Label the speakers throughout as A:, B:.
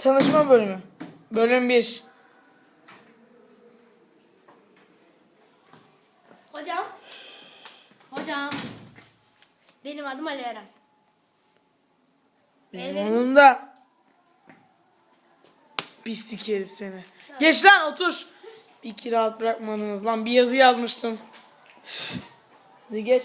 A: Tanışma bölümü. Bölüm 1.
B: Hocam. Hocam. Benim adım Ali Eren.
A: Benim onun da. Pislik herif seni. Geç lan otur. İki rahat bırakmadınız lan. Bir yazı yazmıştım. Hadi geç.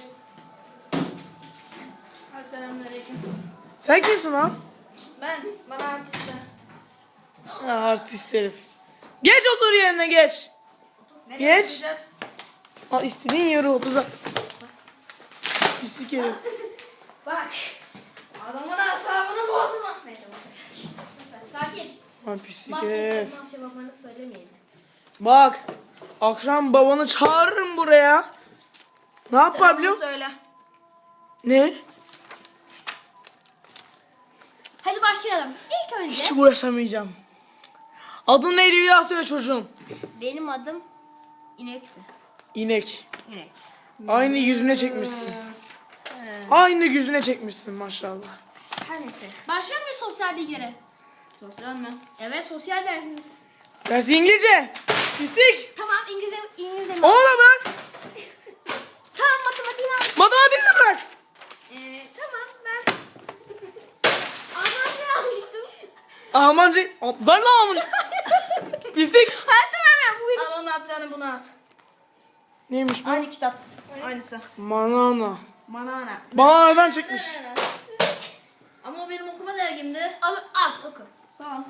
C: Selamünaleyküm.
A: Sen kimsin lan?
C: Bana artist.
A: Ha, artist herif. Geç otur yerine geç.
C: Nereye
A: Geç.
C: gideceğiz?
A: Al istediğin yere otur. Pislik herif.
C: Bak. Adamın asabını bozma. Neyse
B: Sakin.
A: Ha, pislik
B: Mahvettim.
A: herif.
B: Mahşe babanı söylemeyin.
A: Bak. Akşam babanı çağırırım buraya. Ne yapar biliyor musun?
C: Söyle.
A: Ne?
B: Hadi başlayalım. İlk önce
A: Hiç uğraşamayacağım. Adın neydi bir daha söyle çocuğum.
B: benim adım İnek'ti.
A: İnek.
B: İnek.
A: Aynı yüzüne çekmişsin. Aynı yüzüne çekmişsin maşallah.
B: Her neyse. Başlıyor muyuz sosyal bilgilere?
C: Sosyal mi?
B: Evet, sosyal dersimiz.
A: Dersi İngilizce. Pislik.
B: Tamam, İngilizce mi?
A: Onu da bırak.
B: Tamam, matematiğini almıştım.
A: Matematiğini de bırak.
B: Tamam, ben Almanca almıştım.
A: Almanca. Ver lan Almanca. Pislik.
B: Hayatta vermem. Buyurun.
C: Al onu atacağını bunu at.
A: Neymiş bu?
C: Aynı kitap. Aynısı.
A: Manana.
C: Manana.
A: Bananadan çıkmış.
C: Ama o benim okuma dergimdi.
B: Al, oku.
C: Sağ ol.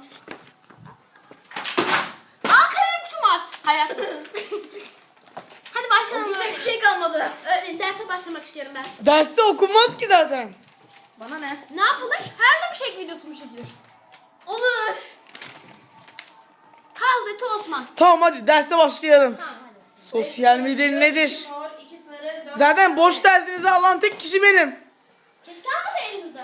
B: Al kalem kutumu at. Hayır atma. Hadi başlayalım.
C: Okuyacak bir şey kalmadı.
B: Derse başlamak istiyorum ben.
A: Derste okunmaz ki zaten.
C: Bana ne?
B: Ne yapılır? Harlem Shake videosu mu çekilir?
C: Olur.
B: Hazreti Osman.
A: Tamam hadi derse başlayalım.
B: Tamam hadi.
A: Sosyal medya nedir?
C: Mor, 2 sarı, 4.
A: Zaten boş dersinizi alan tek kişi benim.
B: Keşke almasa elinizde.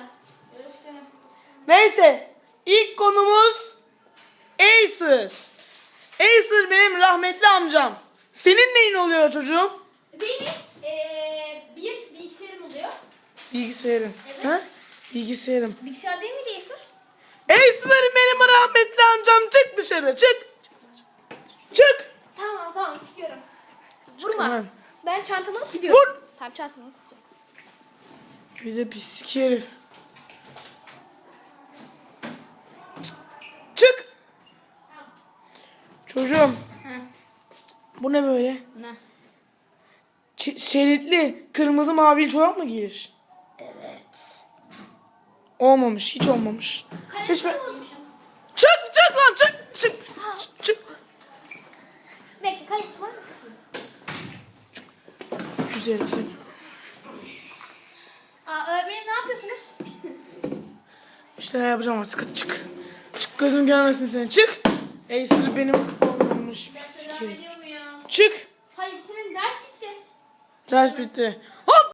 A: Neyse. İlk konumuz Acer. Acer benim rahmetli amcam. Senin neyin oluyor çocuğum?
B: Benim bir bilgisayarım oluyor.
A: Bilgisayarın.
B: Evet.
A: Ha? Bilgisayarım.
B: Bilgisayar değil miydi Acer?
A: Acer benim rahmetli amcam. Çık dışarı çık. Çık.
B: Tamam çıkıyorum. Vurma.
A: Hemen.
B: Ben çantamı alıp gidiyorum.
A: Vur.
B: Tamam çantamı alıp gideceğim.
A: Bir de pislik herif. Çık. Çocuğum. Bu ne böyle?
C: Ne?
A: Şeritli kırmızı mavili çorap mı giyilir?
C: Evet.
A: Olmamış, hiç olmamış.
B: Kalem
A: Hiç
B: kutumu unutmuşum.
A: Çık lan çık. Çık.
B: Bekle kalem kutumu unutmuşum.
A: Güzel seni.
B: Öğretmenim ne yapıyorsunuz?
A: Bir şeyler yapacağım artık, hadi çık. Çık, gözüm görmesin seni, çık. Acer benim olmamış pislik herif.
B: Ediyor muyuz?
A: Çık.
B: Hayır bitirin, ders bitti.
A: Ders bitti. Hop.